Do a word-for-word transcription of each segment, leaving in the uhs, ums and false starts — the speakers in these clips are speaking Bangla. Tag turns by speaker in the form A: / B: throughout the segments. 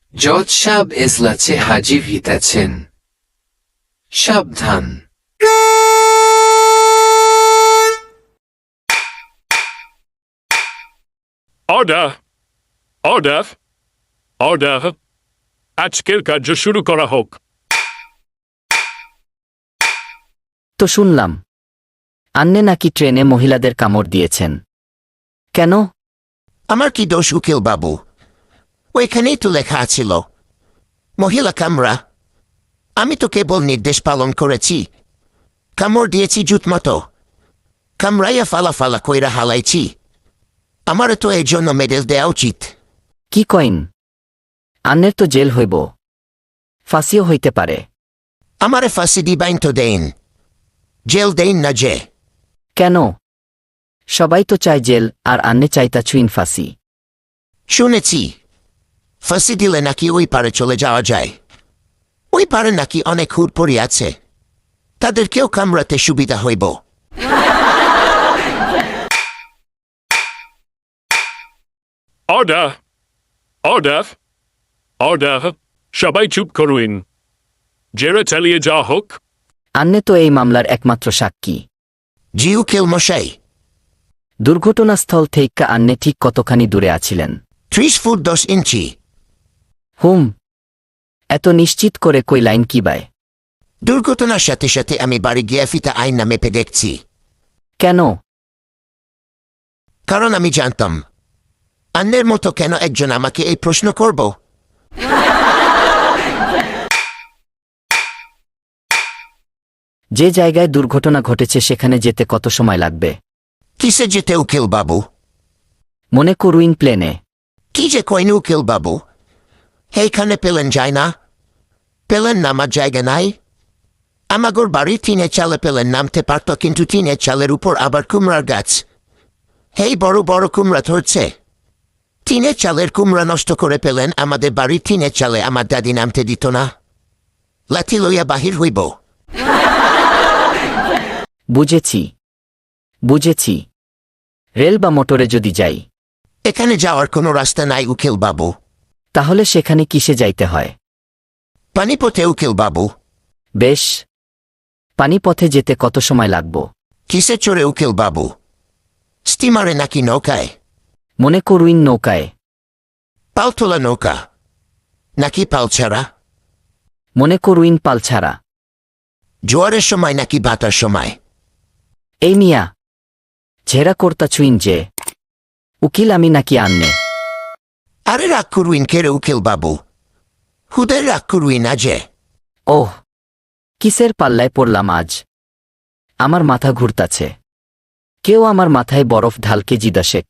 A: জজ সাহেব এজলাসে হাজির হইতেছেন। সাবধান।
B: Order! Order! Order! আজকের কার্য শুরু করা হোক।
C: তো শুনলাম আন্নে নাকি ট্রেনে মহিলাদের কামড় দিয়েছেন, কেন?
D: আমার কি দোষ উকিল বাবু? ওইখানেই তো লেখা ছিল মহিলা কামরা। আমি তো কেবল নির্দেশ পালন করেছি, কামড় দিয়েছি জুত মতো, কামড়াইয়া ফালা ফালা কইরা হালাইছি। আমার তো এই জন্য মেডেল দেওয়া উচিত।
C: কি কইন? আন্নের তো জেল হইব, ফাঁসিও হইতে পারে।
D: আমারে ফাঁসি দিবাইন তো দেন, জেল দেন না যে।
C: কেন? সবাই তো চায় জেল, আর আন্নে চাইতা চুইন ফাঁসি।
D: শুনেছি ফাঁসি দিলে নাকি ওই পারে চলে যাওয়া যায়। ওই পারে নাকি অনেক হুড়পড়ি আছে, তাদেরকেও কামড়াতে সুবিধা হইব।
B: Order! Order! Order! সবাই চুপ করুন। জেরা চালিয়ে যাওয়া হোক।
C: আন্নে তো এই মামলার একমাত্র সাক্ষী।
D: জি উকিল মশাই।
C: দুর্ঘটনাস্থল থেকে আন্নে ঠিক কতখানি দূরে আছিলেন?
D: ত্রিশ ফুট দশ ইঞ্চি।
C: হুম, এত নিশ্চিত করে কই লাইন কি বায়?
D: দুর্ঘটনার সাথে সাথে আমি বাড়ি গিয়ে ফিতা আইন মেপে দেখছি।
C: কেন?
D: কারণ আমি জানতাম অন্যের মতো কেন একজন আমাকে এই প্রশ্ন করব।
C: যে জায়গায় দুর্ঘটনা ঘটেছে সেখানে যেতে কত সময় লাগবে?
D: কিসে যেতে উকিল বাবু?
C: মনে করুইন প্লেনে।
D: কি যে কইন উকিল বাবু, এইখানে পেলেন যায় না? পেলেন নামার জায়গা নাই? আমাগর বাড়ি টিনের চালে পেলেন নামতে পারত, কিন্তু টিনের চালের উপর আবার কুমড়ার গাছ। হেই বড় বড় কুমড়া ধরছে। টিনের চালের কুমড়া নষ্ট করে পেলেন আমাদের বাড়ির টিনের চালে আমার দাদি নামতে দিত না। লাঠি লইয়া বাহির হইব।
C: বুঝেছি বুঝেছি রেল বা মোটরে যদি যাই।
D: এখানে যাওয়ার কোনো রাস্তা নাই উকিল বাবু।
C: তাহলে সেখানে কিসে যাইতে হয়?
D: পানিপথে উকিল বাবু।
C: বেশ, পানিপথে যেতে কত সময় লাগব?
D: কিসে চড়ে উকিল বাবু? স্টিমারে নাকি নৌকায়?
C: মনে করুইন নৌকায়।
D: পালতোলা নৌকা নাকি পাল ছাড়া?
C: মনে করুইন পাল ছাড়া।
D: জোয়ারের সময় নাকি বাতার সময়?
C: এই মিয়া, ঝেরা কর্তা ছুইন যে। উকিল আমি নাকি আন্নে?
D: আরে রাগ করুইন কেরে উকিল বাবু, হুদের রাগ করুইন না যে।
C: ওহ, কিসের পাল্লায় পড়লাম আজ? আমার মাথা ঘুরতাছে। কেউ আমার মাথায় বরফ ঢালকে জিদাশেক।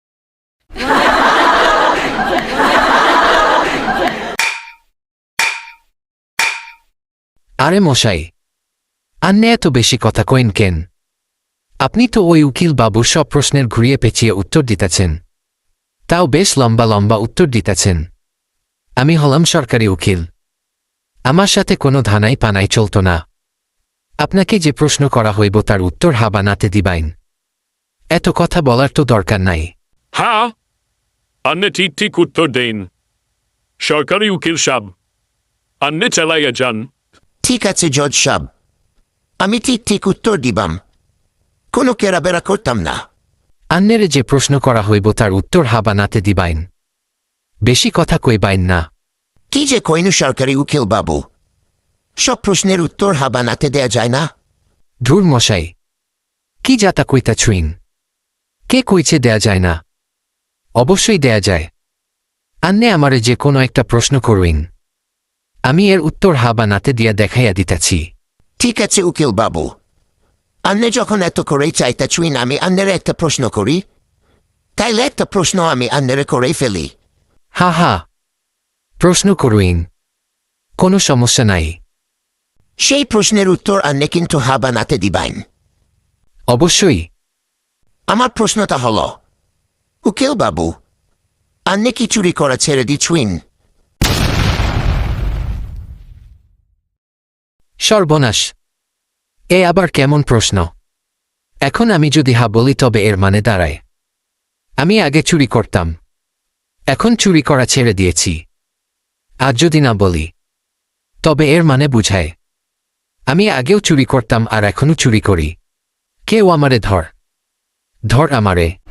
A: আরে মশাই, আন্নে এত বেশি কথা কইন কেন? আপনি তো ওই উকিল বাবুর সব প্রশ্নের ঘুরিয়ে পেঁচিয়ে উত্তর দিতেছেন, তাও বেশ লম্বা লম্বা উত্তর দিতেছেন। আমি হলাম সরকারি উকিল, আমার সাথে কোনো ধানাই পানাই চলত না। আপনাকে যে প্রশ্ন করা হইব তার উত্তর হাবা নাতে দিবাইন। এত কথা বলার তো দরকার নাই।
B: হ্যাঁ, আন্নে ঠিক ঠিক উত্তর দেন। সরকারি উকিল সাহেব, আন্নে চালাইয়া যান।
D: ঠিক আছে জজ সাহেব, আমি ঠিক ঠিক উত্তর দিবাম, কোনো কেরাবেরা করতাম না।
A: আন্নেরে যে প্রশ্ন করা হইব তার উত্তর হাবা নাতে দিবাইন, বেশি কথা কইবাইন না।
D: কি যে কইনু সরকারি উকিল বাবু, সব প্রশ্নের উত্তর হাবা নাতে দেয়া যায় না?
A: ধুর মশাই, কি যাতা কইতা ছুইন? কে কইছে দেয়া যায় না? অবশ্যই দেয়া যায়। আন্নে আমারে যে কোনো একটা প্রশ্ন করুইন, আমি এর উত্তর হাবা নাতে দিয়া দেখাইয়া দিতেছি।
D: ঠিক আছে উকিল বাবু, আন্নে যখন এত করেই চাইতা ছুইন আমি আন্নের একটা প্রশ্ন করি, তাইলে একটা প্রশ্ন আমি আন্নেরে করেই ফেলি।
A: হা হা, প্রশ্ন করুইন, কোনো সমস্যা নাই।
D: সেই প্রশ্নের উত্তর আন্নে কিন্তু হাবা নাতে দিবাইন।
A: অবশ্যই।
D: আমার প্রশ্নটা হল, উকিল বাবু, আন্নে কি চুরি করা ছেড়ে দিছুইন?
A: সর্বনাশ, এ আবার কেমন প্রশ্ন? এখন আমি যদি হা বলি তবে এর মানে দাঁড়ায় আমি আগে চুরি করতাম, এখন চুরি করা ছেড়ে দিয়েছি। আজ যদি না বলি তবে এর মানে বুঝায় আমি আগেও চুরি করতাম আর এখনো চুরি করি। কেউ আমারে ধর ধর আমারে।